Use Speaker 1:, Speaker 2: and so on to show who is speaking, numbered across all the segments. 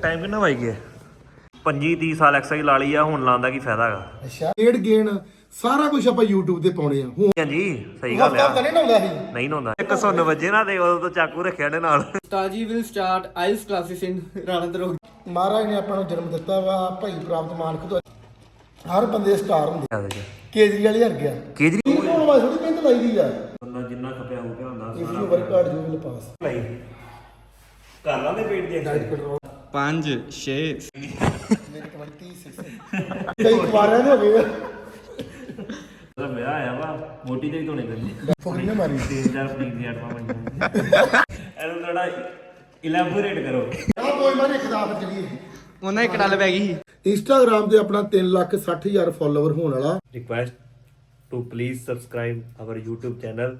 Speaker 1: Time ਕਿੰਨਾ ਵਜ ਗਿਆ 25-30 ਸਾਲ ਐਕਸਰਸਾਈਜ਼ ਲਾ ਲਈ ਆ ਹੁਣ ਲਾਉਣ ਦਾ ਕੀ ਫਾਇਦਾ ਹੈਗਾ
Speaker 2: ਅੱਛਾ ਖੇਡ ਗੇਣ ਸਾਰਾ ਕੁਝ ਆਪਾਂ YouTube ਤੇ ਪਾਉਣੇ ਆ ਹੁਣ
Speaker 1: ਹਾਂਜੀ ਸਹੀ ਗੱਲ ਆ
Speaker 2: ਹਫਤਾ ਨਹੀਂ ਨਹਾਉਂਦਾ ਸੀ
Speaker 1: ਨਹੀਂ ਨਹਾਉਂਦਾ ਇੱਕ ਸੁਣ ਵੱਜੇ ਨਾ ਤੇ ਉਦੋਂ ਤੋਂ ਚਾਕੂ ਰੱਖਿਆ ਨੇ ਨਾਲ
Speaker 3: Taji will start IELTS classes in Ranadrog.
Speaker 2: ਮਹਾਰਾਜ ਨੇ ਆਪਾਂ ਨੂੰ ਜਨਮ ਦਿੱਤਾ ਵਾ ਭਾਈ ਪ੍ਰਾਪਤ ਮਾਨਕ ਤੋਂ ਹਰ ਬੰਦੇ ਸਟਾਰ ਹੁੰਦੇ ਕੇਜਰੀਵਾਲ ਹੀ ਹਰ ਗਿਆ
Speaker 1: ਕੇਜਰੀ
Speaker 2: ਕੋਲ ਵਾ ਥੋੜੀ ਮਿਹਨਤ ਲਾਈ ਦੀ ਆ
Speaker 1: ਬੰਦਾ ਜਿੰਨਾ ਖਪਿਆ ਹੋ ਗਿਆ ਹੁੰਦਾ
Speaker 2: if you work hard you will pass
Speaker 1: ਲਈ ਕਰ ਲਾਂਦੇ ਪੇਟ ਦੀ
Speaker 2: ਡਾਈਟ ਕੰਟਰੋਲ
Speaker 3: 5, 6.
Speaker 2: ਮੇਰੇ 26 ਕਈ ਕੁਆਰਿਆਂ ਦੇ ਹੋ ਗਏ
Speaker 1: ਉਹਦਾ ਵਿਆਹ ਆਇਆ ਵਾ ਮੋਟੀ ਤੇ ਹੀ ਧੋਣੇ ਪੈਂਦੇ
Speaker 2: ਫੁਕਰੀ ਨਾ ਮਾਰੀ
Speaker 1: 3000 ਪਲੀਜ਼ ਦੀ ਆਟਵਾ ਬਣ ਇਹਨੂੰ ਥੋੜਾ ਇਲੈਬੋਰੇਟ ਕਰੋ
Speaker 2: ਆ ਕੋਈ ਮਾਰੇ ਇੱਕ ਦਾ ਫਿਰ ਚਲੀਏ
Speaker 3: ਉਹਨਾਂ ਇੱਕ ਡੱਲ ਪੈ ਗਈ ਸੀ।
Speaker 2: ਇੰਸਟਾਗ੍ਰਾਮ ਤੇ ਆਪਣਾ 3,60,000 ਫਾਲੋਅਰ ਹੋਣ ਵਾਲਾ
Speaker 1: request to please subscribe our YouTube channel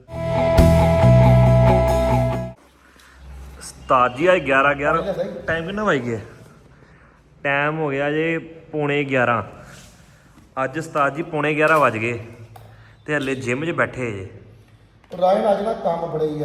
Speaker 1: ਉਸਤਾਦ ਜੀ ਅੱਜ 11 ਟਾਈਮ ਕਿੰਨਾ ਵਜ ਗਿਆ ਟਾਈਮ ਹੋ ਗਿਆ ਜੇ 11:45 ਅੱਜ ਉਸਤਾਦ ਜੀ 11:45 ਵਜ ਗਏ ਤੇ ਹਲੇ ਜਿਮ 'ਚ ਬੈਠੇ ਜੇ
Speaker 2: ਰਾਇਨ ਅੱਜ ਨਾ ਕੰਮ ਬੜੇ ਹੀ ਆ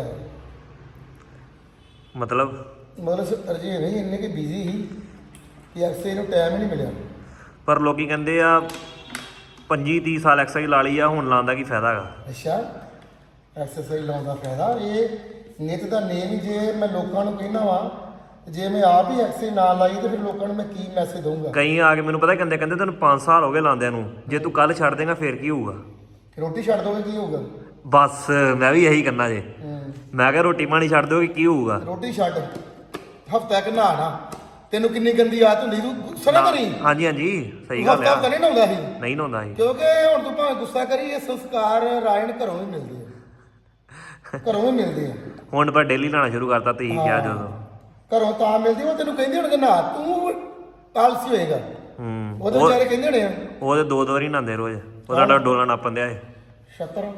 Speaker 1: ਮਤਲਬ
Speaker 2: ਅਰਜੇ ਨਹੀਂ ਇੰਨੇ ਕਿ ਬਿਜ਼ੀ ਸੀ ਕਿ ਐਕਸੇ ਨੂੰ ਟਾਈਮ ਹੀ ਨਹੀਂ ਮਿਲਿਆ
Speaker 1: ਪਰ ਲੋਕੀ ਕਹਿੰਦੇ ਆ 25-30 ਸਾਲ ਐਕਸਰਸਾਈਜ਼ ਲਾ ਲਈ ਆ ਹੁਣ ਲਾਉਣ ਦਾ ਕੀ ਫਾਇਦਾ ਹੈਗਾ
Speaker 2: ਅੱਛਾ ਐਕਸਰਸਾਈਜ਼ ਲਾਉਣ ਦਾ ਫਾਇਦਾ ਇਹ ਨਿਤ ਦਾ ਨੇਮ ਹੀ ਜੇ ਮੈਂ ਲੋਕਾਂ ਨੂੰ ਕਹਿਣਾ ਵਾ ਜੇ ਮੈਂ ਆਪ ਹੀ ਐਕਸਰਸਾਈਜ਼ ਨਾ ਲਾਈ ਤੇ ਫਿਰ ਲੋਕਾਂ ਨੂੰ ਮੈਂ ਕੀ ਮੈਸੇਜ ਦਊਂਗਾ
Speaker 1: ਕਈ ਆ ਕੇ ਮੈਨੂੰ ਪਤਾ ਕਹਿੰਦੇ ਤੈਨੂੰ 5 ਸਾਲ ਹੋ ਗਏ ਲਾਉਂਦਿਆਂ ਨੂੰ ਜੇ ਤੂੰ ਕੱਲ ਛੱਡ ਦੇਗਾ ਫੇਰ ਕੀ ਹੋਊਗਾ
Speaker 2: ਰੋਟੀ ਛੱਡ ਦੋਗੇ ਕੀ ਹੋਊਗਾ
Speaker 1: ਬਸ ਮੈਂ ਵੀ ਇਹੀ ਕਰਨਾ ਜੇ ਮੈਂ ਕਿਹਾ ਰੋਟੀ ਪਾਣੀ ਛੱਡ ਦਿਓਗੇ ਕੀ ਹੋਊਗਾ
Speaker 2: ਰੋਟੀ ਛੱਡ ਹਫਤਾ ਕਿ ਨਹਾਣਾ ਤੈਨੂੰ ਕਿੰਨੀ ਗੰਦੀ ਆਦਤ ਹੁੰਦੀ ਤੂੰ ਗੁੱਸਾ ਨਾ ਕਰੀ
Speaker 1: ਹਾਂਜੀ ਹਾਂਜੀ ਸਹੀ ਗੱਲ
Speaker 2: ਹਫਤਾ
Speaker 1: ਆ
Speaker 2: ਹਫਤਾ ਨਹੀਂ ਨਹਾਉਂਦਾ ਸੀ
Speaker 1: ਨਹੀਂ ਨਹਾਉਂਦਾ ਸੀ
Speaker 2: ਕਿਉਂਕਿ ਹੁਣ ਤੂੰ ਭਾਵੇਂ ਗੁੱਸਾ ਕਰੀ ਇਹ ਸੰਸਕਾਰ ਰਾਇਣ ਘਰੋਂ ਹੀ ਮਿਲਦੇ ਆ ਘਰੋਂ ਹੀ ਮਿਲਦੇ ਆ
Speaker 1: ਹੁਣ ਪਰ ਡੇਲੀ ਨਹਾਉਣਾ ਸ਼ੁਰੂ ਕਰਤਾ ਤੁਸੀਂ ਕਿਹਾ ਜਦੋਂ
Speaker 2: ਘਰੋਂ ਤਾਂ ਮਿਲਦੀ ਉਹ ਤੈਨੂੰ ਕਹਿੰਦੇ ਹੋਣਗੇ ਨਾ ਤੂੰ ਆਲਸੀ ਹੋਏਗਾ ਉਹਦੇ ਵਿਚਾਰੇ ਕਹਿੰਦੇ ਹੋਣੇ ਆ
Speaker 1: ਉਹਦੇ ਦੋ ਵਾਰੀ ਨਹਾਉਂਦੇ ਰੋਜ਼ ਉਹਦਾ ਡੋਲਾ ਨਾਪਣ ਦਿਆ ਏ
Speaker 2: ਛੱਤਰ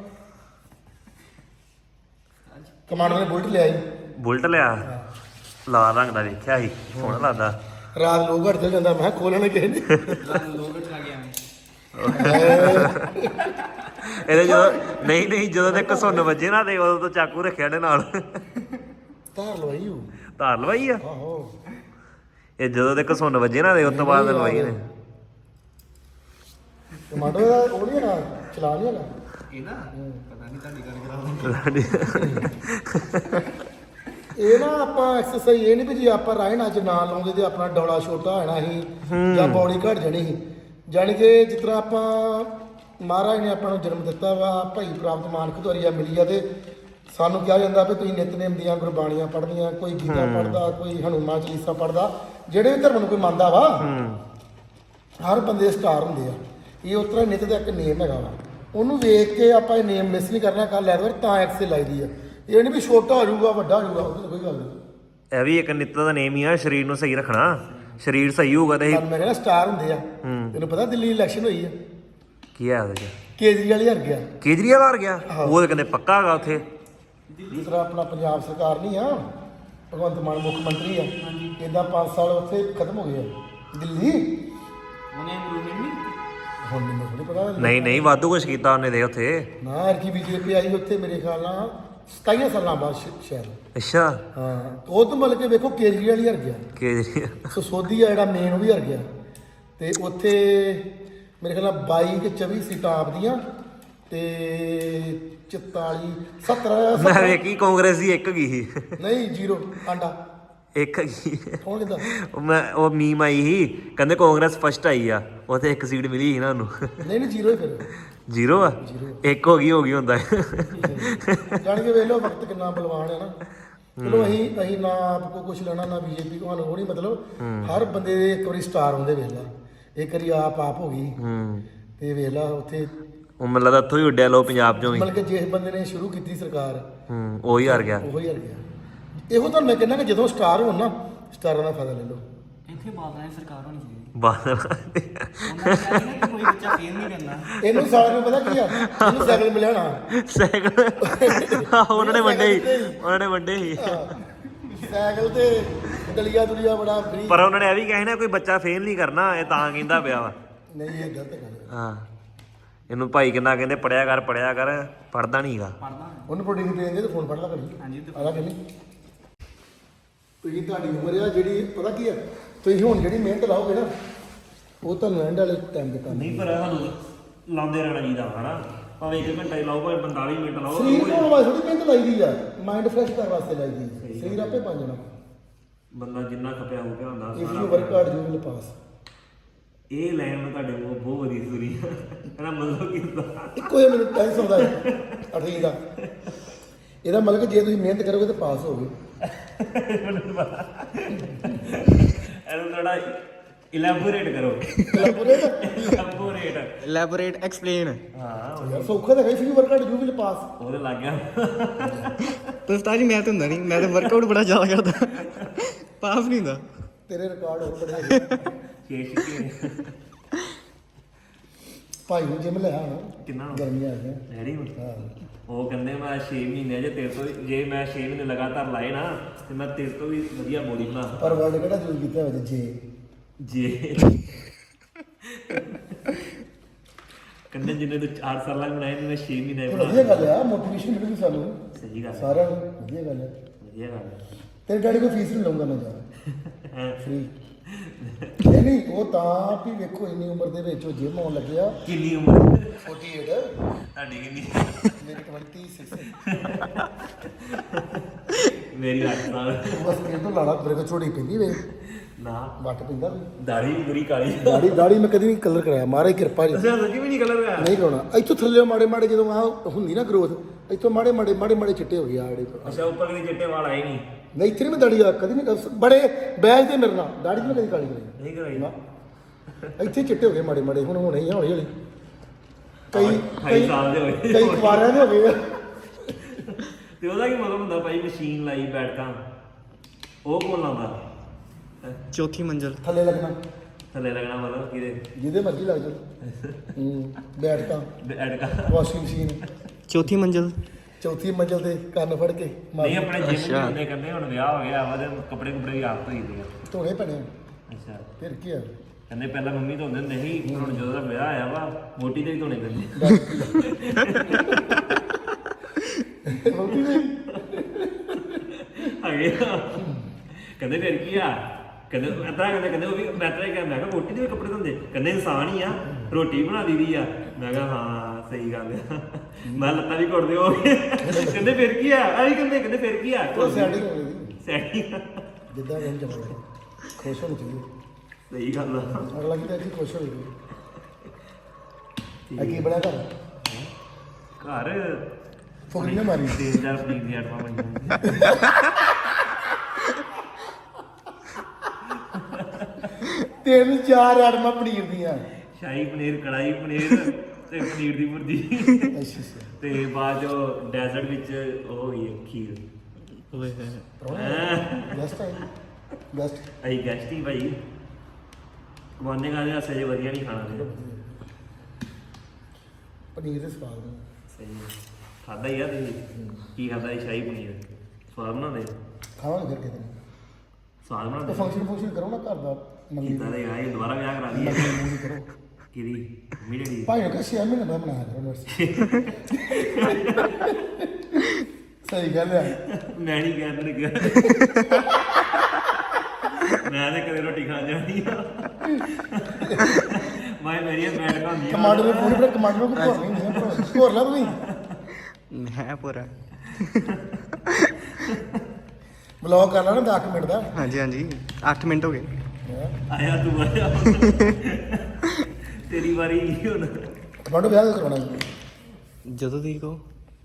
Speaker 2: ਕਮਾਂਡਰ ਨੇ ਬੁਲਟ ਲਿਆਈ
Speaker 1: ਬੁਲਟ ਲਿਆ ਲਾਲ ਰੰਗ ਦਾ ਵੇਖਿਆ ਸੀ ਸੋਹਣਾ ਲੱਗਦਾ
Speaker 2: ਰਾਤ ਲੋਕ ਘੜ ਚਲ ਜਾਂਦਾ ਮੈਂ ਖੋਲਣੇ ਕਿਸੇ ਨੇ
Speaker 3: ਲੋਗਟ ਲਾ ਗਿਆ
Speaker 1: ਇਹਦੇ ਜਦੋਂ ਨਹੀਂ ਜਦੋਂ ਤੇ ਘਸੁੰਨ ਵੱਜੇ ਨਾ ਤੇ ਉਦੋਂ ਤੋਂ ਚਾਕੂ ਰੱਖਿਆ ਨੇ ਨਾਲ
Speaker 2: ਧਾਰ ਲਵਾਈ ਉਹ
Speaker 1: ਧਾਰ ਲਵਾਈ ਆ
Speaker 2: ਆਹੋ
Speaker 1: ਇਹ ਜਦੋਂ ਤੇ ਘਸੁੰਨ ਵੱਜੇ ਨਾ ਤੇ ਉਸ ਤੋਂ ਬਾਅਦ ਲਵਾਈ ਨੇ
Speaker 2: ਕਮਾਂਡਰ ਦਾ ਉਹ ਨਹੀਂ ਹੈਗਾ ਚਲਾ ਨਹੀਂ ਹੈਗਾ
Speaker 3: ਇਹ ਨਾ ਪਤਾ ਨਹੀਂ ਤੁਹਾਡੀ ਗੱਲ ਕਰਾਉਂਦੇ
Speaker 2: ਇਹ ਨਾ ਆਪਾਂ ਐਕਸਰਸਾਈਜ਼ ਇਹ ਨਹੀਂ ਵੀ ਜੇ ਆਪਾਂ ਰਾਇਣ ਅੱਜ ਨਾ ਲਾਉਂਦੇ ਤੇ ਆਪਣਾ ਡੌਲਾ ਛੋਟਾ ਹੋਣਾ ਸੀ ਜਾਂ ਬੌਡੀ ਘਟ ਜਾਣੀ ਸੀ ਜਾਣੀ ਕਿ ਜਿਸ ਤਰ੍ਹਾਂ ਆਪਾਂ ਮਹਾਰਾਜ ਨੇ ਆਪਾਂ ਨੂੰ ਜਨਮ ਦਿੱਤਾ ਵਾ ਭਾਈ ਪ੍ਰਾਪਤ ਮਾਨਕ ਦਵਾਰੀਆ ਮਿਲੀ ਆ ਤੇ ਸਾਨੂੰ ਕਿਹਾ ਜਾਂਦਾ ਵੀ ਤੁਸੀਂ ਨਿਤਨੇਮ ਦੀਆਂ ਗੁਰਬਾਣੀਆਂ ਪੜ੍ਹਨੀਆਂ ਕੋਈ ਗੀਤਾ ਪੜ੍ਹਦਾ ਕੋਈ ਹਨੂਮਾਨ ਚਾਲੀਸਾ ਪੜ੍ਹਦਾ ਜਿਹੜੇ ਵੀ ਧਰਮ ਨੂੰ ਕੋਈ ਮੰਨਦਾ ਵਾ ਹਰ ਬੰਦੇ ਸਟਾਰ ਹੁੰਦੇ ਆ ਇਹ ਉਸ ਤਰ੍ਹਾਂ ਨਿਤ ਦਾ ਇੱਕ ਨੇਮ ਹੈਗਾ ਵਾ ਉਹਨੂੰ ਵੇਖ ਕੇ ਆਪਾਂ ਇਹ ਨੇਮ ਮਿਸ ਨਹੀਂ ਕਰਨਾ ਕੱਲ ਐਤਵਾਰ ਤਾਂ ਐਕਸੇ ਲਾਈਦੀ ਆ ਇਹ ਨਹੀਂ ਵੀ ਛੋਟਾ ਹੋ ਜਾਊਗਾ ਵੱਡਾ ਹੋ ਜਾਊਗਾ ਉਹਦੀ ਕੋਈ ਗੱਲ ਨਹੀਂ
Speaker 1: ਇਹ ਵੀ ਇੱਕ ਨਿੱਤ ਦਾ ਨੇਮ ਹੀ ਆ ਸਰੀਰ ਨੂੰ ਸਹੀ ਰੱਖਣਾ ਸਰੀਰ ਸਹੀ ਹੋਊਗਾ ਤੇ
Speaker 2: ਪਰ ਮੇਰੇ ਨਾਲ ਸਟਾਰ ਹੁੰਦੇ ਆ ਤੈਨੂੰ ਪਤਾ ਦਿੱਲੀ ਇਲੈਕਸ਼ਨ ਹੋਈ ਆ
Speaker 1: ਕੀ ਹੈ ਉਹਦੇ ਚ
Speaker 2: ਕੇਜਰੀਵਾਲ ਹੀ ਹਰ ਗਿਆ
Speaker 1: ਕੇਜਰੀਵਾਲ ਹਾਰ ਗਿਆ ਉਹ ਤਾਂ ਕਹਿੰਦੇ ਪੱਕਾ ਹੈਗਾ ਉੱਥੇ
Speaker 2: ਜਿਸ ਤਰ੍ਹਾਂ ਆਪਣਾ ਪੰਜਾਬ ਸਰਕਾਰ ਨਹੀਂ ਆ ਭਗਵੰਤ ਮਾਨ ਮੁੱਖ ਮੰਤਰੀ ਆ ਇਦਾਂ 5 ਸਾਲ ਉੱਥੇ ਖਤਮ ਹੋ ਗਏ ਆ ਦਿੱਲੀ
Speaker 3: ਉਹਨੇ ਇੰਪਰੂਵਮੈਂਟ ਨਹੀਂ
Speaker 2: ਹੁਣ ਮੈਨੂੰ ਥੋੜੀ ਪਤਾ
Speaker 1: ਨਹੀਂ ਵਾਧੂ ਕੁਛ ਕੀਤਾ ਉਹਨੇ ਦੇ ਉੱਥੇ
Speaker 2: ਨਾ ਅਰਕੀ ਬੀਜੇਪੀ ਆਈ ਉੱਥੇ ਮੇਰੇ ਖਿਆਲ ਨਾਲ 27 ਸਾਲਾਂ ਬਾਅਦ ਸ਼ਾਇਦ
Speaker 1: ਅੱਛਾ
Speaker 2: ਹਾਂ ਉਹ ਤੋਂ ਮਿਲ ਕੇ ਵੇਖੋ ਕੇਜਰੀਵਾਲ ਹੀ ਹਰ ਗਿਆ
Speaker 1: ਕੇਜਰੀਵਾਲ
Speaker 2: ਸੋਦੀ ਆ ਜਿਹੜਾ ਮੇਨ ਉਹ ਵੀ ਹਰ ਗਿਆ ਤੇ ਉੱਥੇ ਮੇਰੇ ਖਿਆਲ ਨਾਲ 22 ਕਿ 24 ਸੀਟਾਂ ਆਪਦੀਆਂ ਤੇ 44 17
Speaker 1: ਮੈਂ ਵੇਖੀ ਕਾਂਗਰਸ ਦੀ ਇੱਕ ਗਈ
Speaker 2: ਨਹੀਂ ਜ਼ੀਰੋ ਆਂਡਾ
Speaker 1: ਇੱਕ ਗਈ
Speaker 2: ਕੌਣ ਕਹਿੰਦਾ
Speaker 1: ਉਹ ਮੀਮ ਆਈ ਸੀ ਕਹਿੰਦੇ ਕਾਂਗਰਸ ਫਸਟ ਆਈ ਆ ਉੱਥੇ ਇੱਕ ਸੀਟ ਮਿਲੀ ਸੀ ਨਾ ਉਹਨੂੰ
Speaker 2: ਨਹੀਂ ਜ਼ੀਰੋ ਹੀ ਫਿਰ
Speaker 1: ਜ਼ੀਰੋ ਆ ਇੱਕ ਹੋ ਗਈ ਹੁੰਦਾ
Speaker 2: ਜਾਣ ਕੇ ਵੇਖ ਲਓ ਵਕਤ ਕਿੰਨਾ ਬਲਵਾਨ ਹੈ ਨਾ ਚਲੋ ਅਸੀਂ ਨਾ ਆਪ ਕੋ ਕੁਝ ਲੈਣਾ ਨਾ ਬੀਜੇਪੀ ਕੋ ਉਹ ਨਹੀਂ ਮਤਲਬ ਹਰ ਬੰਦੇ ਦੇ ਇੱਕ ਵਾਰੀ ਸਟਾਰ ਹੁੰਦੇ ਵੇਖ ਲਾ ਇੱਕ ਵਾਰੀ ਆਪ ਹੋ ਗਈ ਤੇ ਵੇਖ ਲਾ ਉੱਥੇ
Speaker 1: ਉਹ ਮੈਨੂੰ ਲੱਗਦਾ ਇੱਥੋਂ ਹੀ ਉੱਡਿਆ ਲੋ ਪੰਜਾਬ ਚੋਂ ਵੀ
Speaker 2: ਮਤਲਬ ਕਿ ਜਿਸ ਬੰਦੇ ਨੇ ਸ਼ੁਰੂ ਕੀਤੀ ਸਰਕਾਰ
Speaker 1: ਉਹੀ ਹਾਰ ਗਿਆ
Speaker 2: ਉਹੀ ਹਾਰ ਗਿਆ ਇਹੋ ਤੁਹਾਨੂੰ ਮੈਂ ਕਹਿੰਦਾ ਕਿ ਜਦੋਂ ਸਟਾਰ ਹੋਣ ਨਾ ਸਟਾਰਾਂ ਦਾ ਫਾਇਦਾ ਲੈ ਲਓ
Speaker 3: ਇੱਥੇ ਬਾਦਲਾਂ ਦੀ ਸਰਕਾਰ ਹੋਣੀ ਚਾਹੀਦੀ
Speaker 1: ਬਾਦ
Speaker 3: ਉਹਨਾਂ ਨੇ ਕਿਹਾ ਸੀ ਨਾ ਕਿ ਕੋਈ ਬੱਚਾ ਫੇਲ ਨਹੀਂ ਕਰਨਾ
Speaker 2: ਇਹਨੂੰ ਸਾਰਿਆਂ ਨੂੰ ਪਤਾ ਕੀ ਆ ਇਹਨੂੰ ਸਾਈਕਲ ਮਿਲਿਆ ਨਾ
Speaker 1: ਸਾਈਕਲ ਉਹਨਾਂ ਨੇ ਵੰਡੇ ਸੀ
Speaker 2: ਸਾਈਕਲ ਤੇ ਦਲੀਆ ਬੜਾ ਫ੍ਰੀ
Speaker 1: ਪਰ ਉਹਨਾਂ ਨੇ ਇਹ ਵੀ ਕਿਹਾ ਸੀ ਨਾ ਕੋਈ ਬੱਚਾ ਫੇਲ ਨਹੀਂ ਕਰਨਾ ਇਹ ਤਾਂ ਕਹਿੰਦਾ ਪਿਆ ਵਾ
Speaker 2: ਨਹੀਂ ਇਹ ਗਲਤ ਗੱਲ ਹੈ
Speaker 1: ਹਾਂ ਇਹਨੂੰ ਭਾਈ ਕਿੰਨਾ ਕਹਿੰਦੇ ਪੜਿਆ ਕਰ ਪੜਦਾ ਨਹੀਂਗਾ
Speaker 2: ਉਹਨੂੰ ਪ੍ਰੋਟੀਨ ਦੇ ਦਿੰਦੇ ਤੇ ਫੋਨ ਫੜ ਲਾ ਕਰੀ
Speaker 3: ਹਾਂਜੀ
Speaker 2: ਆਲਾ ਕਹਿੰਦੇ ਤੁਸੀਂ ਤੁਹਾਡੀ ਉਮਰ ਆ ਜਿਹੜੀ ਪਤਾ ਕੀ ਆ ਤੁਸੀਂ ਹੁਣ ਜਿਹੜੀ ਮਿਹਨਤ ਲਾਓਗੇ ਨਾ ਉਹ ਤੁਹਾਨੂੰ ਐਂਡ ਵਾਲੇ ਟਾਈਮ ਤੇ ਕੰਮ
Speaker 1: ਨਹੀਂ ਪਰ ਸਾਨੂੰ ਲਾਉਂਦੇ ਰਹਿਣਾ ਚਾਹੀਦਾ ਹਨਾ ਭਾਵੇਂ 1 ਘੰਟਾ ਹੀ ਲਾਓ ਭਾਵੇਂ 45 ਮਿੰਟ ਲਾਓ
Speaker 2: ਸਰੀਰ ਨੂੰ ਵਾਸਤੇ ਥੋੜੀ ਮਿਹਨਤ ਲਾਈਦੀ ਆ ਮਾਈਂਡ ਫਰੈਸ਼ ਕਰਨ ਵਾਸਤੇ ਲਾਈਦੀ ਸਰੀਰ ਆਪੇ ਬਣ ਜਾਣਾ
Speaker 1: ਬੰਦਾ ਜਿੰਨਾ ਖਪਿਆ ਹੋ ਗਿਆ ਹੁੰਦਾ
Speaker 2: if you work hard you will pass
Speaker 1: ਇਹ ਲਾਈਨ ਮੈਂ ਤੁਹਾਡੇ ਕੋਲ ਬਹੁਤ ਵਧੀਆ ਸੁਣੀ ਇਹਦਾ ਮਤਲਬ ਕੀ ਹੁੰਦਾ
Speaker 2: ਇੱਕੋ ਹੀ ਮੈਨੂੰ ਟੈਂਸ ਆਉਂਦਾ ਹੈ ਅਠੀ ਦਾ ਇਹਦਾ ਮਤਲਬ ਕਿ ਜੇ ਤੁਸੀਂ ਮਿਹਨਤ ਕਰੋਗੇ ਤਾਂ ਪਾਸ ਹੋਗੇ
Speaker 1: ਇਹਨੂੰ ਥੋੜਾ ਇਲੈਬੋਰੇਟ ਕਰੋ
Speaker 3: Elaborate, explain.
Speaker 1: ਹਾਂ
Speaker 2: ਯਾਰ ਸੌਖਾ ਤਾਂ ਹੈ if you work hard you will pass
Speaker 1: ਉਹਦੇ ਲੱਗ ਗਿਆ
Speaker 3: ਤਾਂ ਉਸਤਾਦ ਜੀ ਮੈਂ ਤਾਂ ਹੁੰਦਾ ਨਹੀਂ ਮੈਂ ਤਾਂ ਵਰਕਆਊਟ ਬੜਾ ਜ਼ਿਆਦਾ ਕਰਦਾ ਪਾਸ ਨਹੀਂ ਹੁੰਦਾ
Speaker 2: ਤੇਰੇ ਰਿਕਾਰਡ ਹੋਰ ਬੜੇ ਹੈਗੇ
Speaker 1: ਸ਼ੇਸ਼ ਕੇ
Speaker 2: ਭਾਈ ਨੂੰ ਜਿਮ ਲਿਆ ਹੁਣ
Speaker 1: ਕਿੰਨਾ
Speaker 2: ਗਰਮੀਆਂ ਆ ਗਈਆਂ
Speaker 1: ਡੈਡੀ ਨੂੰ
Speaker 2: ਹਾਂ
Speaker 1: ਉਹ ਕਹਿੰਦੇ ਮੈਂ 6 ਮਹੀਨੇ ਜੇ ਤੇਰੇ ਤੋਂ ਜੇ ਮੈਂ 6 ਮਹੀਨੇ ਲਗਾਤਾਰ ਲਾਏ ਨਾ ਤੇ ਮੈਂ ਤੇਰੇ ਤੋਂ ਵੀ ਵਧੀਆ ਬੋਡੀ ਬਣਾ
Speaker 2: ਪਰ ਵਰਡ ਕਿਹੜਾ ਯੂਜ਼ ਕੀਤਾ ਹੋਇਆ ਜੇ
Speaker 1: ਜੇ ਕਹਿੰਦੇ ਜਿੰਨੇ ਤੂੰ 4 ਸਾਲਾਂ ਬਣਾਏ ਨੇ ਮੈਂ 6 ਮਹੀਨੇ
Speaker 2: ਇਹ
Speaker 1: ਬਣਾ
Speaker 2: ਵਧੀਆ ਗੱਲ ਆ ਮੋਟੀਵੇਸ਼ਨ ਮਿਲੂਗੀ ਸਾਨੂੰ
Speaker 1: ਸਹੀ ਗੱਲ
Speaker 2: ਸਾਰਿਆਂ ਨੂੰ ਵਧੀਆ ਗੱਲ ਹੈ
Speaker 1: ਵਧੀਆ ਗੱਲ
Speaker 2: ਤੇਰੇ ਡੈਡੀ ਕੋਈ ਫੀਸ ਨਹੀਂ ਲਊਂਗਾ ਮੈਂ ਜਾ
Speaker 1: ਹੈ
Speaker 2: ਫ੍ਰੀ ਨਹੀਂ ਉਹ ਤਾਂ ਵੀ ਵੇਖੋ ਇੰਨੀ ਉਮਰ ਦੇ ਵਿੱਚ ਉਹ ਜਿਮ ਆਉਣ ਲੱਗਿਆ
Speaker 1: ਕਿੰਨੀ ਉਮਰ
Speaker 2: 48
Speaker 1: ਤੁਹਾਡੀ ਕਿੰਨੀ
Speaker 2: ਮੇਰੀ 26
Speaker 1: ਮੇਰੀ 8 ਸਾਲ
Speaker 2: ਬਸ ਇਹ ਤੋਂ ਲਾੜਾ ਬਰੇ ਕੋ ਛੋੜੀ ਪੈਂਦੀ ਵੇ
Speaker 1: ਨਾ
Speaker 2: ਵੱਟ ਪੈਂਦਾ ਵੀ
Speaker 1: ਦਾੜੀ ਵੀ ਬੁਰੀ ਕਾਲੀ
Speaker 2: ਦਾੜੀ ਮੈਂ ਕਦੀ ਨਹੀਂ ਕਲਰ ਕਰਾਇਆ ਮਾਰੇ ਕਿਰਪਾ ਜੀ
Speaker 1: ਅਸਾਂ ਸੱਚੀ ਵੀ ਨਹੀਂ ਕਲਰ ਹੋਇਆ
Speaker 2: ਨਹੀਂ ਕਰਾਉਣਾ ਇੱਥੋਂ ਥੱਲੇ ਮਾੜੇ ਮਾੜੇ ਜਦੋਂ ਆ ਹੁੰਦੀ ਨਾ ਗਰੋਥ ਇੱਥੋਂ ਮਾੜੇ ਮਾੜੇ ਚਿੱਟੇ ਹੋ ਗਏ ਆ ਜਿਹੜੇ
Speaker 1: ਅੱਛਾ ਉੱਪਰ ਦੇ ਚਿੱਟੇ ਵਾਲ ਆਏ ਨਹੀਂ
Speaker 2: ਨਹੀਂ ਇੱਥੇ ਨੀ ਮੈਂ ਦਾੜੀ ਆ ਕਦੀ ਨਹੀਂ ਬੜੇ ਬੈਜ ਦੇ ਮੇਰੇ ਨਾਲ ਦਾੜੀ ਮੈਂ ਕਦੀ ਕਾਲੀ ਕਰਾਈ
Speaker 1: ਨਹੀਂ ਕਰਾਈ
Speaker 2: ਨਾ ਇੱਥੇ ਚਿੱਟੇ ਹੋ ਗਏ ਮਾੜੇ ਹੁਣ ਹੋਣੇ ਹੀ ਆ ਹੌਲੀ ਹੌਲੀ ਕਈ
Speaker 1: 28 ਸਾਲ ਦੇ ਹੋਏ
Speaker 2: ਕਈ ਕੁਆਰਿਆਂ ਦੇ ਹੋ ਗਏ ਆ।
Speaker 1: ਤੇ ਉਹਦਾ ਕੀ ਮਤਲਬ ਹੁੰਦਾ ਭਾਈ ਮਸ਼ੀਨ ਲਾਈ ਬੈਠਕਾਂ ਉਹ ਕੌਣ ਲਾਉਂਦਾ
Speaker 3: ਚੌਥੀ ਮੰਜ਼ਲ
Speaker 2: ਥੱਲੇ ਲੱਗਣਾ
Speaker 1: ਥੱਲੇ ਲੱਗਣਾ ਮਤਲਬ ਕਿਹਦੇ
Speaker 2: ਜਿਹਦੇ ਮਰਜ਼ੀ ਲੱਗ ਜਾ ਬੈਠਕਾਂ
Speaker 1: ਬੈਠਕਾਂ
Speaker 2: ਵਾਸ਼ਿੰਗ ਮਸ਼ੀਨ
Speaker 3: ਚੌਥੀ ਮੰਜ਼ਲ
Speaker 2: ਚੌਥੀ ਮੰਜ਼ਲ ਤੇ ਕੰਨ ਫੜ ਕੇ
Speaker 1: ਨਹੀਂ ਆਪਣੇ ਜਿਮ ਦੇ ਹੁੰਦੇ ਕਹਿੰਦੇ ਹੁਣ ਵਿਆਹ ਹੋ ਗਿਆ ਵਾ ਤੇ ਕੱਪੜੇ ਕੁਪੜੇ ਵੀ ਆਪ ਧੋਈਦੇ ਆ
Speaker 2: ਧੋਣੇ ਪੈਣੇ
Speaker 1: ਅੱਛਾ
Speaker 2: ਫਿਰ ਕੀ ਆ
Speaker 1: ਕਹਿੰਦੇ ਪਹਿਲਾਂ ਮੰਮੀ ਧੋਂਦੇ ਹੁੰਦੇ ਸੀ ਹੁਣ ਜਦੋਂ ਦਾ ਵਿਆਹ ਆਇਆ ਵਾ ਮੋਟੀ ਤੇ ਹੀ ਧੋਣੇ ਪੈਂਦੇ
Speaker 2: ਰੋਟੀ ਦੇ
Speaker 1: ਆ ਗਿਆ ਕਹਿੰਦੇ ਫਿਰ ਕੀ ਆ ਕਹਿੰਦੇ ਕਹਿੰਦੇ ਉਹ ਵੀ ਮੈਂ ਤਾਂ ਕਿਹਾ ਮੈਂ ਕਿਹਾ ਮੋਟੀ ਦੇ ਵੀ ਕੱਪੜੇ ਧੋਂਦੇ ਕਹਿੰਦੇ ਇਨਸਾਨ ਹੀ ਆ ਰੋਟੀ ਬਣਾ ਦੀਦੀ ਆ ਮੈਂ ਕਿਹਾ ਹਾਂ ਸਹੀ ਗੱਲ ਆ ਮੈਂ ਲੱਤਾਂ ਵੀ ਘੁੱਟਦੇ ਹੋ ਕਹਿੰਦੇ ਫਿਰ ਕੀ ਆ ਆਹੀ ਕਹਿੰਦੇ ਫਿਰ ਕੀ ਆ
Speaker 2: ਉਹ ਸੈਟਿੰਗ ਹੋ ਗਈ
Speaker 1: ਸੈਟਿੰਗ
Speaker 2: ਜਿੱਦਾਂ ਵੀ ਜਮਾ ਖੁਸ਼ ਹੋਣੀ ਚਾਹੀਦੀ
Speaker 1: ਸਹੀ ਗੱਲ ਆ
Speaker 2: ਅਗਲਾ ਕਿਤੇ ਅੱਛੀ ਖੁਸ਼ ਹੋ ਗਈ ਆ ਕੀ ਬਣਿਆ ਘਰ
Speaker 1: ਘਰ
Speaker 2: ਫੁਕਰੀ ਨਾ ਮਾਰੀ
Speaker 1: 3000 ਪਨੀਰ ਦੀ ਆਟਾ ਬਣੀ
Speaker 2: 3-4 ਆਟਮਾਂ ਪਨੀਰ ਦੀਆਂ
Speaker 1: ਸ਼ਾਹੀ ਪਨੀਰ ਕੜਾਈ ਪਨੀਰ ਤੇ ਪਨੀਰ ਦੀ ਭੁਰਜੀ
Speaker 2: ਅੱਛਾ ਅੱਛਾ
Speaker 1: ਤੇ ਬਾਅਦ ਜੋ ਡੈਜ਼ਰਟ ਵਿੱਚ ਉਹ ਹੋ ਗਈ ਖੀਰ
Speaker 3: ਓਏ
Speaker 2: ਗੈਸਟ ਆਏ ਗੈਸਟ
Speaker 1: ਅਸੀਂ ਗੈਸਟ ਹੀ ਭਾਈ ਕਮਾਨੇ ਖਾਣੇ ਅਸੇ ਜੇ ਵਧੀਆ ਨਹੀਂ ਖਾਣਾ ਨੇ
Speaker 2: ਪਨੀਰ ਦੇ ਸਵਾਦ ਨੂੰ
Speaker 1: ਸਹੀ ਖਾਦਾ ਹੀ ਆ ਤੁਸੀਂ ਕੀ ਖਾਦਾ ਇਹ ਸ਼ਾਹੀ ਪਨੀਰ ਸਵਾਦ ਬਣਾਉਂਦੇ
Speaker 2: ਖਾਵਾਂਗੇ ਫਿਰ ਕਿਤੇ
Speaker 1: ਸਵਾਦ
Speaker 2: ਉਹ
Speaker 1: ਬਣਾਉਂਦੇ
Speaker 2: ਫੰਕਸ਼ਨ ਕਰੋ ਨਾ ਘਰ ਦਾ ਮੰਗਲੀ
Speaker 1: ਕੀਤਾ ਤੇ ਆਏ ਦੁਬਾਰਾ ਵਿਆਹ ਕਰਾ ਲਈਏ
Speaker 2: ਮੰਗਲੀ ਕਰੋ
Speaker 1: ਕਿਹਦੀ ਮੰਮੀ ਡੈਡੀ
Speaker 2: ਭਾਈ ਨੂੰ ਕਹੇ 6 ਮਹੀਨੇ ਦਾ ਬਣਾਇਆ ਕਰੋ ਨਰਸਰੀ ਸਹੀ ਗੱਲ ਹੈ
Speaker 1: ਮੈਂ ਨਹੀਂ ਗਿਆ ਤੈਨੂੰ ਕਿਹਾ ਮੈਂ ਤੇ ਕਦੇ ਰੋਟੀ ਖਾ ਜਾਣੀ ਆ ਮੈਂ ਮੇਰੀਆਂ ਮੈਡਮਾਂ ਹੁੰਦੀਆਂ
Speaker 2: ਕਮਾਂਡੋ ਨੇ ਫੋਨ ਕਰ ਕਮਾਂਡੋ ਨੂੰ ਘੋਰ ਨਹੀਂ ਹੈ ਘੋਰ ਲਾ ਤੂੰ
Speaker 3: ਮੈਂ ਪੂਰਾ
Speaker 2: ਵਲੌਗ ਕਰ ਲਾ ਨਾ 10 ਮਿੰਟ ਦਾ
Speaker 3: ਹਾਂਜੀ ਹਾਂਜੀ 8 ਮਿੰਟ ਹੋ ਗਏ
Speaker 1: ਆਇਆ ਤੂੰ ਆਇਆ ਤੇਰੀ ਵਾਰੀ ਹੁਣ
Speaker 2: ਕਮਾਂਡੋ ਵਿਆਹ ਕਰਾਉਣਾ ਜੀ
Speaker 3: ਜਦੋਂ ਦੀ ਕੋ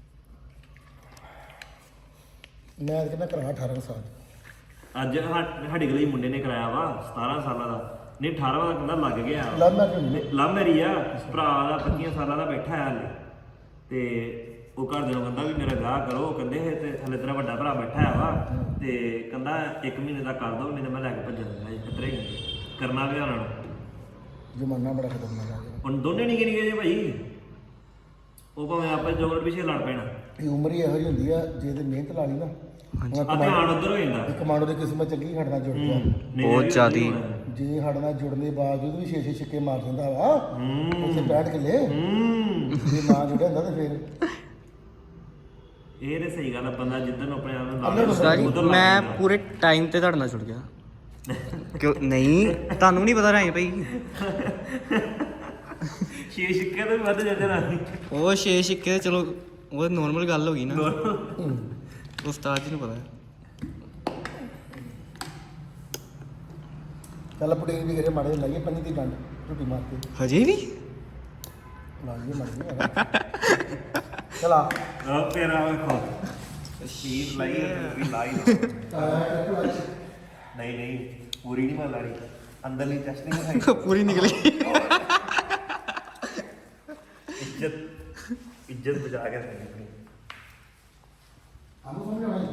Speaker 2: ਮੈਂ ਕਹਿੰਦਾ ਕਰਾ 18 ਸਾਲ
Speaker 1: ਅੱਜ ਸਾਡੇ ਗਲੀ ਮੁੰਡੇ ਨੇ ਕਰਾਇਆ ਵਾ 17 ਸਾਲਾਂ ਦਾ ਨਹੀਂ 18ਵਾਂ ਦਾ ਕਹਿੰਦਾ ਲੱਗ ਗਿਆ
Speaker 2: ਲਵ ਮੈਰਿਜ ਹੁੰਦੀ
Speaker 1: ਲਵ ਮੈਰੀ ਆ ਭਰਾ ਦਾ 25 ਸਾਲਾਂ ਦਾ ਬੈਠਾ ਹੈ ਹਲੇ ਤੇ ਉਹ ਘਰ ਦੇ ਨੂੰ ਕਹਿੰਦਾ ਵੀ ਮੇਰਾ ਵਿਆਹ ਕਰੋ ਉਹ ਕਹਿੰਦੇ ਤੇ ਹਲੇ ਤੇਰਾ ਵੱਡਾ ਭਰਾ ਬੈਠਾ ਹੈ ਵਾ ਤੇ ਕਹਿੰਦਾ 1 ਮਹੀਨੇ ਦਾ ਕਰ ਦੋ ਨਹੀਂ ਤਾਂ ਮੈਂ ਲੈ ਕੇ ਭੱਜ ਜਾਣਾ ਇੱਧਰ ਹੀ ਕਰਨਾ ਵਿਆਹ ਉਹਨਾਂ ਨੂੰ
Speaker 2: ਜ਼ਮਾਨਾ ਬੜਾ ਖਤਰਨਾਕ ਆ ਗਿਆ
Speaker 1: ਹੁਣ ਦੋਨੇ ਨਿੱਕੇ ਨਿੱਕੇ ਜੇ ਭਾਈ ਉਹ ਭਾਵੇਂ ਆਪਸ ਜੋਗਰ ਪਿੱਛੇ ਲੜ ਪੈਣਾ
Speaker 2: ਇਹ ਉਮਰ ਹੀ ਇਹੋ ਜਿਹੀ ਹੁੰਦੀ ਆ ਜੇ ਤੇ ਮਿਹਨਤ ਲਾ ਲਈ ਨਾ
Speaker 1: ਆ ਧਿਆਨ ਉਧਰ ਹੋ ਜਾਂਦਾ
Speaker 2: ਕਮਾਂਡੋ ਦੀ ਕਿਸਮਤ ਚੰਗੀ ਸਾਡੇ ਨਾਲ ਜੁੜ ਗਿਆ
Speaker 3: ਬਹੁਤ ਜ਼ਿਆਦੀ।
Speaker 2: ਜੇ ਸਾਡੇ ਨਾਲ ਜੁੜਨ ਦੇ ਬਾਵਜੂਦ ਵੀ 6-6 ਛਿੱਕੇ ਮਾਰ ਜਾਂਦਾ ਵਾ ਉੱਥੇ 65 ਕਿੱਲੇ ਜੇ ਨਾ ਜੁੜਿਆ ਹੁੰਦਾ ਤੇ ਫਿਰ
Speaker 1: ਇਹ ਤੇ ਸਹੀ ਗੱਲ ਆ ਬੰਦਾ ਜਿੱਦਨ ਆਪਣੇ ਆਪ ਨੂੰ
Speaker 2: ਅੱਲੇ ਨੂੰ
Speaker 3: ਉਸਤਾਦ ਜੀ ਮੈਂ ਪੂਰੇ ਟਾਈਮ ਤੇ ਤੁਹਾਡੇ ਨਾਲ ਜੁੜ ਗਿਆ ਕਿਉਂ ਨਹੀਂ ਤੁਹਾਨੂੰ ਨਹੀਂ ਪਤਾ ਰਾਏ ਭਾਈ
Speaker 1: 6 ਸਿੱਕੇ ਤੋਂ ਵੀ ਵੱਧ ਜਾਂਦੇ ਨਾ
Speaker 3: ਉਹ 6 ਸਿੱਕੇ ਚਲੋ ਉਹ ਨੋਰਮਲ ਗੱਲ ਹੋ ਗਈ ਨਾ ਉਸਤਾਦ ਜੀ ਨੂੰ ਪਤਾ
Speaker 2: ਚੱਲ ਪਟੇਲ ਵੀ ਕਰੇ ਮਾੜੇ ਲਾਈਏ ਪੰਨੀ ਦੀ ਡੰਡ ਝੁੱਟੀ ਮਾਰ ਕੇ
Speaker 3: ਹਜੇ ਵੀ
Speaker 2: ਲਾਈਏ ਮਾੜੀ ਚਲਾ
Speaker 1: ਆ ਤੇਰਾ ਵੇਖੋ ਸ਼ੀਰ ਲਾਈ ਵੀ ਲਾਈ ਨਹੀਂ ਨਹੀਂ ਪੂਰੀ ਨਹੀਂ ਮਾਰ ਰਹੀ ਅੰਦਰਲੀ ਟੈਸਟ ਨਹੀਂ ਦਿਖਾਈ
Speaker 3: ਪੂਰੀ ਨਿਕਲੀ
Speaker 1: ਇੱਜ਼ਤ ਬਚਾ ਕੇ ਰੱਖਣੀ ਆਪਣੀ
Speaker 2: ਆਮੂ ਸਾਹਮਣੇ ਆਉਣਾ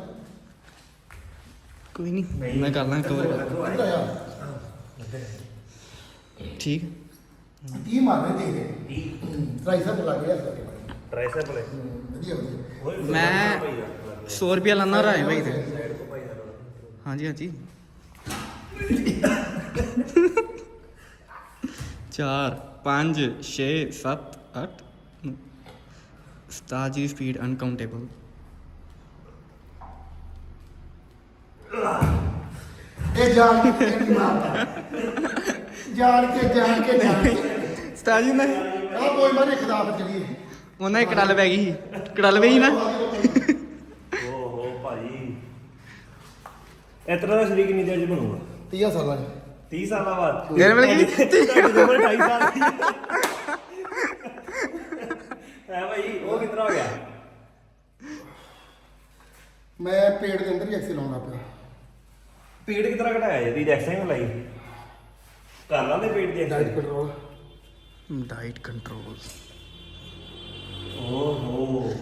Speaker 3: ਕੋਈ ਨਹੀਂ ਮੈਂ ਕਰ ਲਾਂ ਕਵਰ ਠੀਕ
Speaker 2: ਕੀ ਮਾਰਨੇ ਦੇ ਦੇ ਟਰਾਈ ਸਾਹਿਬ ਲੱਗ ਗਿਆ ਕਰਕੇ
Speaker 1: ਟ੍ਰਾਈਸੈਪ ਲੈ
Speaker 2: ਵਧੀਆ ਵਧੀਆ
Speaker 3: ਮੈਂ 100 ਰੁਪਿਆ ਲਾਣਾ ਰਾਏ ਭਾਈ ਤੇ ਹਾਂਜੀ ਹਾਂਜੀ 4 5 6 7 8 ਉਸਤਾਦ ਜੀ ਸਪੀਡ ਅਨਕਾਊਂਟੇਬਲ
Speaker 2: ਇਹ ਜਾਣ ਕੇ ਨਹੀਂ ਮਾਰਦਾ ਜਾਣ ਕੇ
Speaker 3: ਉਸਤਾਦ ਜੀ ਨੇ
Speaker 2: ਆ ਕੋਈ ਮਾਰੇ ਖਿਦਾਫਤ ਚਲੀਏ
Speaker 3: ਉਹਨਾਂ ਦੀ ਕੜਲ ਪੈ ਗਈ ਸੀ ਕੜਲ ਪਈ ਨਾ
Speaker 1: ਓਹੋ ਭਾਈ ਇਸ ਤਰ੍ਹਾਂ ਦਾ ਸ਼ਰੀਕ ਨਹੀਂ ਤੇ ਅੱਜ ਬਣੂਗਾ
Speaker 2: 30 ਸਾਲਾਂ ਚ
Speaker 1: 30 ਸਾਲਾਂ ਬਾਅਦ
Speaker 3: ਦਿਨ ਮਿਲ ਗਈ
Speaker 1: ਤੁਹਾਡੀ ਉਮਰ 28 ਸਾਲ ਦੀ ਹੈ ਭਾਈ ਉਹ ਕਿਤਨਾ ਹੋ ਗਿਆ
Speaker 2: ਮੈਂ ਪੇਟ ਦੇ ਅੰਦਰ ਹੀ ਐਕਸਲ ਲਾਉਣਾ ਪਿਆ
Speaker 1: ਪੇਟ ਕਿਤਨਾ ਘਟਾਇਆ ਜੀ ਦੀ ਐਕਸਰਸਾਈਜ਼ ਲਾਈ ਕਰ ਲਾਂਦੇ ਪੇਟ ਦੀ
Speaker 2: diet
Speaker 1: exercise
Speaker 2: control
Speaker 3: diet control
Speaker 1: ਓਹੋ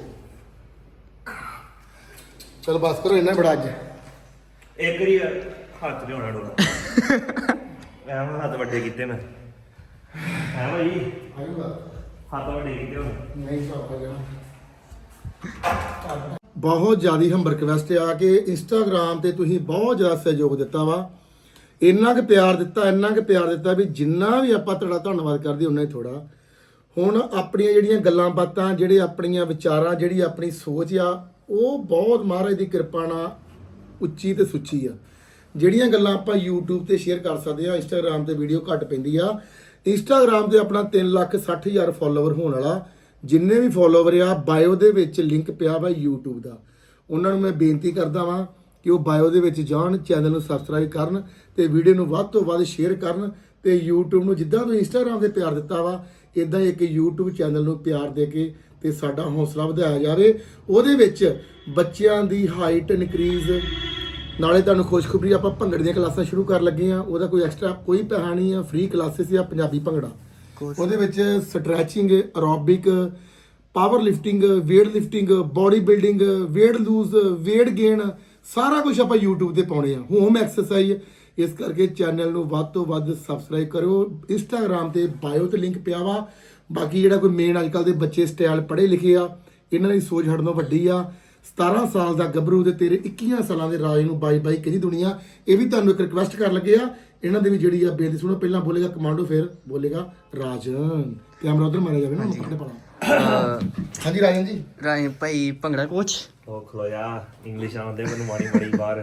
Speaker 2: ਚਲ ਬਸ ਕਰੋ ਇੰਨਾ ਹੀ ਬੜਾ ਅੱਜ
Speaker 1: ਇੱਕ ਵਾਰੀ ਹੱਥ ਲਿਆਉਣਾ ਡੋਲਾ ਐਵੇਂ ਹੱਥ ਵੱਡੇ ਕੀਤੇ ਮੈਂ ਹੈ ਭਾਈ
Speaker 2: ਆਇੂਗਾ
Speaker 1: ਹੱਥ ਵੱਡੇ ਕੀਤੇ ਹੁਣ
Speaker 2: ਨਹੀਂ ਸੌਂਪਾ ਜਾਣਾ ਬਹੁਤ ਜ਼ਿਆਦੀ ਹਮ ਰਿਕਵੈਸਟ ਆ ਕਿ ਇੰਸਟਾਗ੍ਰam ਤੇ ਤੁਸੀਂ ਬਹੁਤ ਜ਼ਿਆਦਾ ਸਹਿਯੋਗ ਦਿੱਤਾ ਵਾ ਇੰਨਾ ਕੁ ਪਿਆਰ ਦਿੱਤਾ ਵੀ ਜਿੰਨਾ ਵੀ ਆਪਾਂ ਤੁਹਾਡਾ ਧੰਨਵਾਦ ਕਰਦੇ ਉਨਾ ਹੀ ਥੋੜਾ ਹੁਣ ਆਪਣੀਆਂ ਜਿਹੜੀਆਂ ਗੱਲਾਂ ਬਾਤਾਂ ਜਿਹੜੇ ਆਪਣੀਆਂ ਵਿਚਾਰਾਂ ਜਿਹੜੀ ਆਪਣੀ ਸੋਚ ਆ ਉਹ ਬਹੁਤ ਮਹਾਰਾਜ ਦੀ ਕਿਰਪਾ ਨਾਲ ਉੱਚੀ ਤੇ ਸੁੱਚੀ ਆ ਜਿਹੜੀਆਂ ਗੱਲਾਂ ਆਪਾਂ YouTube ਤੇ ਸ਼ੇਅਰ ਕਰ ਸਕਦੇ ਆ ਇੰਸਟਾਗ੍ਰam ਤੇ ਵੀਡੀਓ ਘੱਟ ਪੈਂਦੀ ਆ ਇੰਸਟਾਗ੍ਰam ਤੇ ਆਪਣਾ 3,60,000 ਫਾਲੋਵਰ ਹੋਣ ਵਾਲਾ ਜਿੰਨੇ ਵੀ ਫਾਲੋਵਰ ਆ ਬਾਇਓ ਦੇ ਵਿੱਚ ਲਿੰਕ ਪਿਆ ਵਾ YouTube ਦਾ ਉਹਨਾਂ ਨੂੰ ਮੈਂ ਬੇਨਤੀ ਕਰਦਾ ਵਾਂ ਕਿ ਉਹ ਬਾਇਓ ਦੇ ਵਿੱਚ ਜਾਣ ਚੈਨਲ ਨੂੰ ਸਬਸਕ੍ਰਾਈਬ ਕਰਨ ਤੇ ਵੀਡੀਓ ਨੂੰ ਵੱਧ ਤੋਂ ਵੱਧ ਸ਼ੇਅਰ ਕਰਨ ਤੇ YouTube ਨੂੰ ਜਿੱਦਾਂ ਤੁਸੀਂ ਇੰਸਟਾਗ੍ਰam ਤੇ ਪਿਆਰ ਦਿੱਤਾ ਵਾ ਇਦਾਂ ਇੱਕ YouTube ਚੈਨਲ ਨੂੰ ਪਿਆਰ ਦੇ ਕੇ ਤੇ ਸਾਡਾ ਹੌਸਲਾ ਵਧਾਇਆ ਜਾਵੇ ਉਹਦੇ ਵਿੱਚ ਬੱਚਿਆਂ ਦੀ ਹਾਈਟ ਇਨਕਰੀਜ਼ ਨਾਲੇ ਤੁਹਾਨੂੰ ਖੁਸ਼ਖਬਰੀ ਆਪਾਂ ਭੰਗੜੇ ਦੀਆਂ ਕਲਾਸਾਂ ਸ਼ੁਰੂ ਕਰਨ ਲੱਗੇ ਆ ਉਹਦਾ ਕੋਈ ਐਕਸਟਰਾ ਕੋਈ ਪੈਸਾ ਨਹੀਂ ਆ ਫ੍ਰੀ ਕਲਾਸਿਸ ਆ ਪੰਜਾਬੀ ਭੰਗੜਾ ਉਹਦੇ ਵਿੱਚ stretching aerobic power lifting weight lifting body building weight lose weight gain ਸਾਰਾ ਕੁਝ ਆਪਾਂ YouTube ਤੇ ਪਾਉਣੇ ਆ ਹੋਮ ਐਕਸਰਸਾਈਜ਼ ਇਸ ਕਰਕੇ ਚੈਨਲ ਨੂੰ ਵੱਧ ਤੋਂ ਵੱਧ ਸਬਸਕ੍ਰਾਈਬ ਕਰਿਓ ਇੰਸਟਾਗ੍ਰam ਤੇ ਬਾਇਓ ਤੇ ਲਿੰਕ ਪਿਆ ਵਾ ਬਾਕੀ ਜਿਹੜਾ ਕੋਈ ਮੇਨ ਅੱਜ ਕੱਲ ਦੇ ਬੱਚੇ ਸਟਾਈਲ ਪੜ੍ਹੇ ਲਿਖੇ ਆ ਇਹਨਾਂ ਦੀ ਸੋਚ ਹਟਣੋਂ ਵੱਡੀ ਆ 17 ਸਾਲ ਦਾ ਗੱਭਰੂ ਤੇ ਤੇਰੇ 21 ਸਾਲਾਂ ਦੇ ਰਾਜ ਨੂੰ ਬਾਈ ਬਾਈ ਕਹਿੰਦੀ ਦੁਨੀਆ ਇਹ ਵੀ ਤੁਹਾਨੂੰ ਇੱਕ ਰਿਕਵੈਸਟ ਕਰ ਲੱਗੇ ਆ ਇਹਨਾਂ ਦੇ ਵੀ ਜਿਹੜੀ ਆ ਬੇਨਤੀ ਸੁਣੋ ਪਹਿਲਾਂ ਬੋਲੇਗਾ ਕਮਾਂਡੋ ਫਿਰ ਬੋਲੇਗਾ ਰਾਜਨ ਕੈਮਰਾ ਉਧਰ ਮਾਰਿਆ ਜਾਵੇ ਨਾ ਮੁੱਖੜੇ ਪਾਣਾ ਹਾਂਜੀ ਰਾਜਨ ਜੀ
Speaker 3: ਰਾਏ ਭਾਈ ਭੰਗੜਾ ਕੋਚ
Speaker 1: ਉਹ ਖਲੋਇਆ ਇੰਗਲਿਸ਼ ਆਉਂਦੇ ਮੈਨੂੰ ਮਾੜੀ ਬਾਹਰ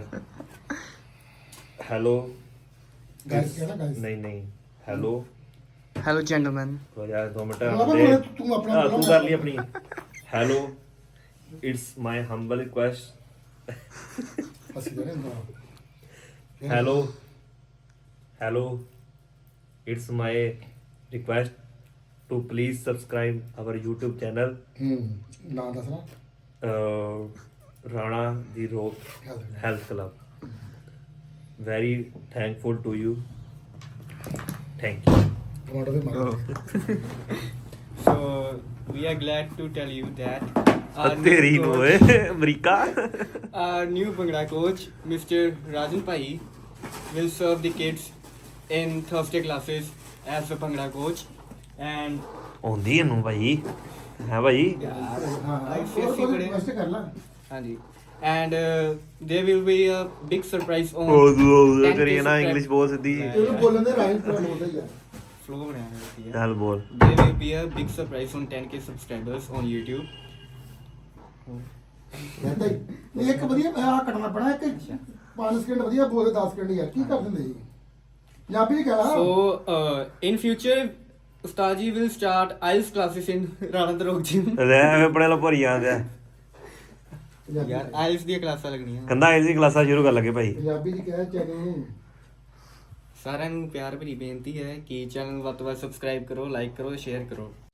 Speaker 1: ਹੈਲੋ
Speaker 2: ਗਾਇਸ ਕਹਿਣਾ ਗਾਇਸ
Speaker 1: ਨਹੀਂ ਹੈਲੋ
Speaker 3: ਹੈਲੋ ਜੈਂਟਲਮੈਨ
Speaker 1: ਖਲੋਇਆ 2 ਮਿੰਟ
Speaker 2: ਤੂੰ ਆਪਣਾ
Speaker 1: ਤੂੰ ਕਰ ਲਈ ਆਪਣੀ hello it's my humble request
Speaker 2: ਅਸੀਂ ਕਹਿੰਦੇ
Speaker 1: hello it's my request to please subscribe our YouTube channel
Speaker 2: ਨਾਮ ਦੱਸਣਾ
Speaker 1: Rana the Rock Health Club very thankful to you thank you
Speaker 2: commando ਦੇ ਮਾਰ
Speaker 3: so we are glad to tell you that
Speaker 1: ਤੇਰੀ ਨੂੰ ਓਏ America
Speaker 3: our new Bhangra coach, Mr. Rajan Pai, will serve the kids in Thursday classes as a Bhangra coach. And
Speaker 1: ਆਉਂਦੀ ਇਹਨੂੰ ਭਾਈ ਹੈ ਭਾਈ
Speaker 3: ICSE ਬੜੇ
Speaker 2: ਰਿਕਵੈਸਟ ਕਰ ਲਾ
Speaker 3: ਹਾਂਜੀ and there will be a big surprise on
Speaker 1: ਉਹ
Speaker 3: 10K
Speaker 1: ਕਰੀ ਨਾ ਇੰਗਲਿਸ਼
Speaker 3: subscribers.
Speaker 1: ਬਹੁਤ ਸਿੱਧੀ
Speaker 2: ਇਹਨੂੰ ਬੋਲਣ ਦੇ ਰਾਈਟ ਪ੍ਰੋਨ ਹੁੰਦਾ ਹੀ ਆ
Speaker 3: Flow ਬਣਾਇਆ ਹੋਇਆ ਹੈ
Speaker 1: ਚੱਲ ਬੋਲ
Speaker 3: there will be a big surprise on 10K subscribers on YouTube.
Speaker 2: ਕਹਿੰਦਾ ਹੀ ਨਹੀਂ ਇੱਕ ਵਧੀਆ ਆ ਕੱਟਣਾ ਪੜਾ ਇੱਕ 5 ਸਕਿੰਟ ਵਧੀਆ ਬੋਲਦੇ 10 ਸਕਿੰਟ ਯਾਰ ਕੀ ਕਰ ਦਿੰਦੇ ਜੀ ਪੰਜਾਬੀ ਕਹਿਣਾ
Speaker 3: So, in future, Ustaji will start IELTS classes in Rana Tarok Gym.
Speaker 1: ਲੈ ਆਪਣੇ ਨਾਲ ਭਰੀ ਜਾਂਦੇ ਆ
Speaker 2: ਪੰਜਾਬੀ
Speaker 3: ਯਾਰ IELTS ਦੀਆਂ ਕਲਾਸਾਂ ਲੱਗਣੀਆਂ
Speaker 1: ਕਹਿੰਦਾ ਇਹ ਜੀ ਕਲਾਸਾਂ ਸ਼ੁਰੂ ਕਰ ਲੱਗੇ ਭਾਈ
Speaker 2: ਪੰਜਾਬੀ ਚ ਕਹਿ ਚੈਨਲ ਨੂੰ
Speaker 3: ਸਾਰਿਆਂ ਨੂੰ ਪਿਆਰ ਭਰੀ ਬੇਨਤੀ ਹੈ ਕਿ ਚੈਨਲ ਨੂੰ ਵੱਧ ਤੋਂ ਵੱਧ ਸਬਸਕ੍ਰਾਈਬ ਕਰੋ, ਲਾਈਕ ਕਰੋ, ਸ਼ੇਅਰ ਕਰੋ।